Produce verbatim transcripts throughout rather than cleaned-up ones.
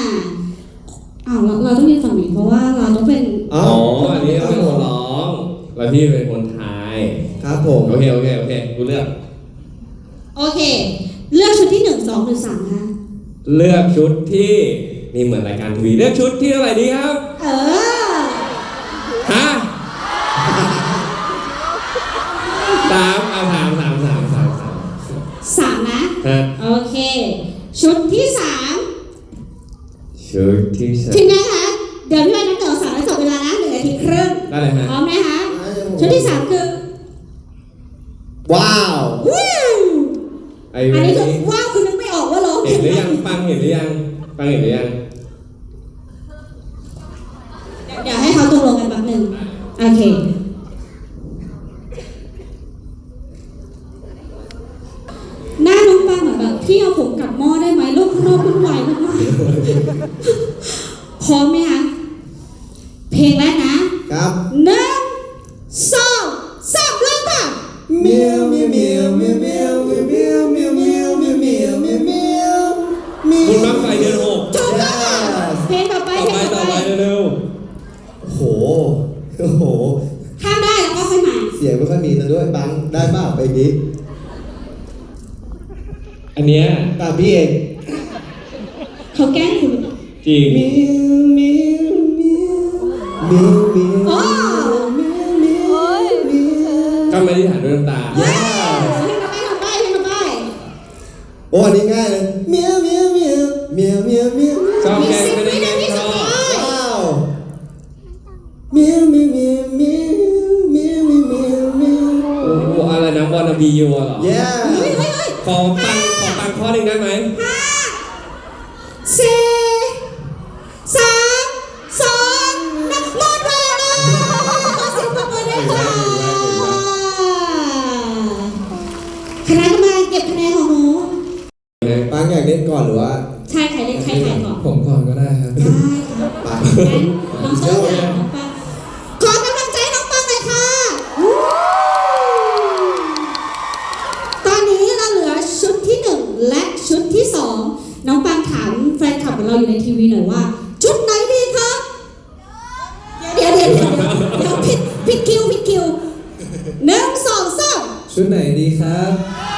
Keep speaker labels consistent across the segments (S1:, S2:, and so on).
S1: อ้าวเราเราต้องยืนฝั่งนี้เพราะว่าเราต้องเป็น
S2: อ๋ออันนี้เป็นคนร้องแล้วพี่เป็นคนทาย
S3: ครับผม
S2: โอเคโอเคโอเคกูเลือก
S1: โอเคเลือกชุดที่หนึ่งสองหรือสามคะ
S2: เลือกชุดที่นี่เหมือนรายการทีวีเลือกชุดที่เท่าไหร่ดีครับ
S1: เออ
S2: ฮะสามเอาสามสามสามสามสาม
S1: สามนะ
S2: ฮะ
S1: โอเคชุดที่สาม
S2: ชุดที่สาม
S1: ถึงนะคะเดี๋ยวพี่วันนับเดี๋ยวสามแล้วจบเวลานะเหลือนาทีครึ่ง
S2: ได้เลยฮะ
S1: พร้อมนะคะชุดที่สามคือ
S3: ว้าว
S1: ว้าวอันนี้คือว้าวคือนึกไม่ออกว่าร้อง
S2: เห็นหรือยังปังเห็นหรือยังปังเห็นหรือยัง
S1: เดี๋ยวให้เขาตกลงกันแป๊บนึงโอเคหน้าน้องปังเหมือนแบบพี่เอาผมกลับหม้อได้ไหมโลกข้างนอกวุ่นวายมากๆพร้อมไหมคะเพลงแรกนะครับหนึ่งสองสามเริ่มค่ะ
S3: เมียวเมียวเมียวเมียวเมียวเมียวเมียวเมียวเมียวเมียวเมียวเมียวเมียว
S2: คุณบังไฟเดือนหก
S1: ถูกต้องเพลงต่อไปเพลงต่อไป
S2: เร็ว
S3: โอ้โหโอ้โห
S1: ข้ามได้แล้วก็ค่อยมา
S3: เสียงไม่ค่อยมีซะด้วยบังได้บ้าไปดิ
S2: อันเนี้ย
S3: ตามพี่เอง
S1: เขาแกล้งคุณ
S2: จริง
S3: เมียวเมียวเมียวเมียวเมียว
S1: อ๋อ
S2: ก็ไม่ได้ถ่ายด้วยน้ำตา
S1: เฮ้ยให้ทำไปทำไปให้ทำไป
S3: โอ้อันนี้ง่ายเลยเมียวเมียวเมียวเมียวเมียวเมียว
S2: ชอบแกล้งไม่ได้แกล้งชอบ
S3: ว้าวเมียวเมียวเมียวเมียวเมียวเมียวเมียวเมียว
S2: โอ้โหอะไรนะวอนาบียูเหรอ
S3: yeah
S2: ขอปังขอปังข้อหนึ่งได้ไหม
S1: ห้าสี่สามสองหนึ่งหมดเวลาขอเสียงปรบมือด้วยค่ะคณะกรรมการเก็บคะแนนของหนู
S3: ปังอยากเล่นก่อนหรือว่า
S1: ใช่ใครเล่นใครใครก่อน
S2: ผมก่อนก็ได้ครับ
S1: ได้ค่ะงั้นน้องเชิญค่ะน้องปังขอกำลังใจน้องปังหน่อยค่ะตอนนี้เราเหลือชุดที่หนึ่งและชุดที่สองน้องปังถามแฟนคลับของเราอยู่ในทีวีหน่อยว่าชุดไหนดีครับเดี๋ยวเดี๋ยวเดี๋ยวเดี๋ยวผิดผิดคิวผิดคิวหนึ่งสองสาม
S3: ชุดไหนดีครับ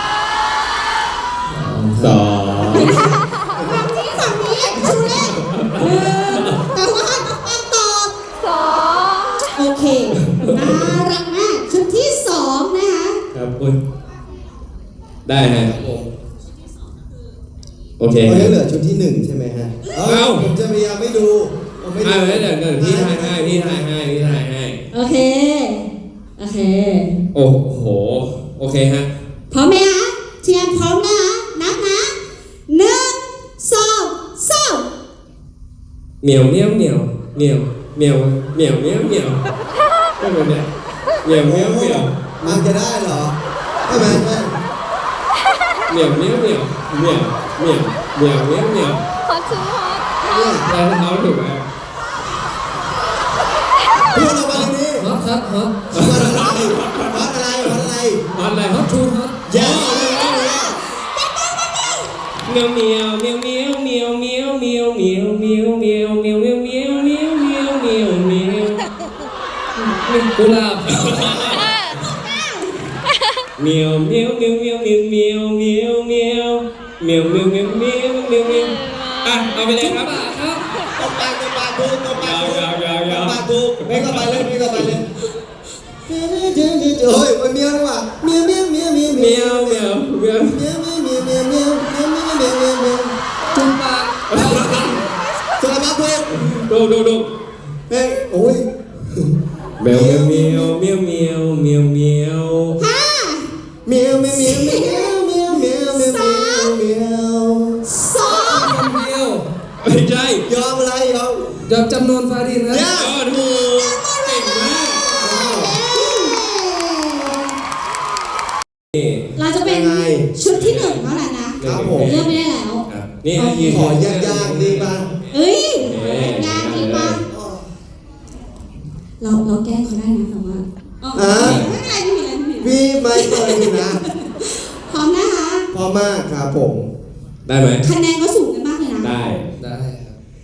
S2: สอง
S1: ฝั่งนี้ฝั่งนี้ชูเล่นแต่ว่าน้องปังตอบสองโอเคน่ารักมากชุดที่สองนะคะ
S2: ครับคุณได้ฮะโอเค
S3: วันนี้เหลือชุดที่หนึ่งใช่ไหมฮะเอ้าผมจะพยายามไม่ดูผมไม่ดู
S2: เดี๋ยวเดี๋ยวพี่ทายให้พี่ทายให้พี่ทายให้
S1: โอเคโอเค
S2: โอ้โหโอเคฮะ
S1: พร้อมไหมฮะเชียร์พร้อมนะนับนะหนึ่งสองสาม
S2: เหมียวเหมียวเหมียวเหมียวเหมียวเหมียวเหมียวเหมียวก็เหมือนเนี่ยเหมียวเหมียวเหมียว
S3: มันจะได้เหรอไม่ไม่ไม่
S2: เหมียวเหมียวเหมียวเหมียวเหมียวเหมียวเหมียวเหมียว
S4: ฮอตชูฮอต
S2: เราเขาถูกไหม
S3: พูดออกมาเลยนี่
S2: ฮอตฮอตฮอต
S3: ฮอตอะไรฮอตอะไรฮอตอะไร
S2: ฮอตอะไรฮอตชูฮอต
S3: เย้
S2: เมียวเมียวเมียวเมียวเมียวเมียวเมียวเมียวเมียวเมียวเมียวเมียวเมียวเมียวเมียวเมียวเมียวกุหลาบเมียวเมียวเมียวเมียวเมียวเมียวเมียวเมียวเมียวเมียวเมียวเมียวเมียวเมียวอ่ะเอาไปเลยครับครับ
S3: ตบปากตบปากดูตบปากดูตบปากดูไม่ก็ไปเลยไม่ก็ไปเลยโอ้ยมันเมียวดีกว่าเมียวเมียวเมียวเมียวเมียว
S2: เมียวเมียวเมียว
S3: เมียวเมียวเมียวเมียวเมียวเมียวเมียวเมียวเมียวจุ๊บปากสลับมาดู
S2: ดูดูดู
S3: เฮ้ยโอ้ย
S2: เมียวเมียวเมียวเมียวเมียวเมียว
S1: ห้า
S3: เมียวเมียวเมียวเมียวเมียวเมียวเมียว
S1: สาม
S3: เมียว
S1: สอง
S2: เมียวไม่ใช่
S3: ยอมอะไรยอม
S2: ยอมจำนวนฟาดินนะยอดถูกเก่งมาก
S1: เราจะเป็นชุดที่หนึ่งเท่านั้นนะครับผมเลือกไม่ได้แล้ว
S2: นี่
S3: ขอยากๆดีป่ะ
S1: เอ้ยยากดีป่ะเราเราแก้เขาได้นะแต่ว่าอ๋อไม่เป็นไรไม่เป็นไรไม่เป็นไร
S3: พี่ไม่เคยนะ
S1: พร้อมนะคะ
S3: พร้อมมากครับผม
S2: ได้ไหม
S1: คะแนนก็สูงกันมากเลยนะ
S2: ได้
S3: ได้ครับ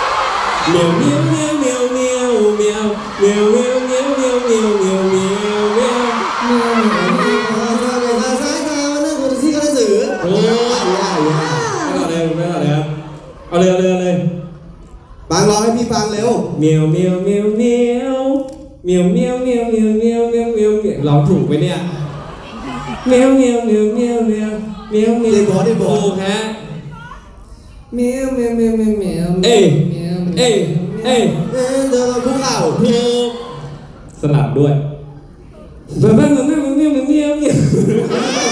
S2: เมียวเมียวเมียวเมียวเมียวเมียวเมียวเมียวเมียวเมียวเมียวเมียวเมียวเมียว
S3: ซ้ายตามันนั่งคนที่กระสือ
S2: โอ้ยไม่เอาเลยไม่เอาเลยครับเอาเลยเอาเลยเอาเลย
S3: ฟังร้องให้พี่ฟังเร็ว
S2: เมียวเมียวเมียวเมียวเมียวเมียวเมียวเมียวเมียวเมียวเมียวเมียวร้องถูกไหมเนี่ยเมียวเมียวเมียวเมียวเมียวเมียวเมียวถูกฮะ
S3: เมียวเมียวเมียวเมียวเมียว
S2: เอ้ยเอ้ยเอ้ย
S3: เอ้ยเดินคุกเข่า
S2: ถูกสลับด้วยเมียวเมียวเมียวเมียวเมียวเมียว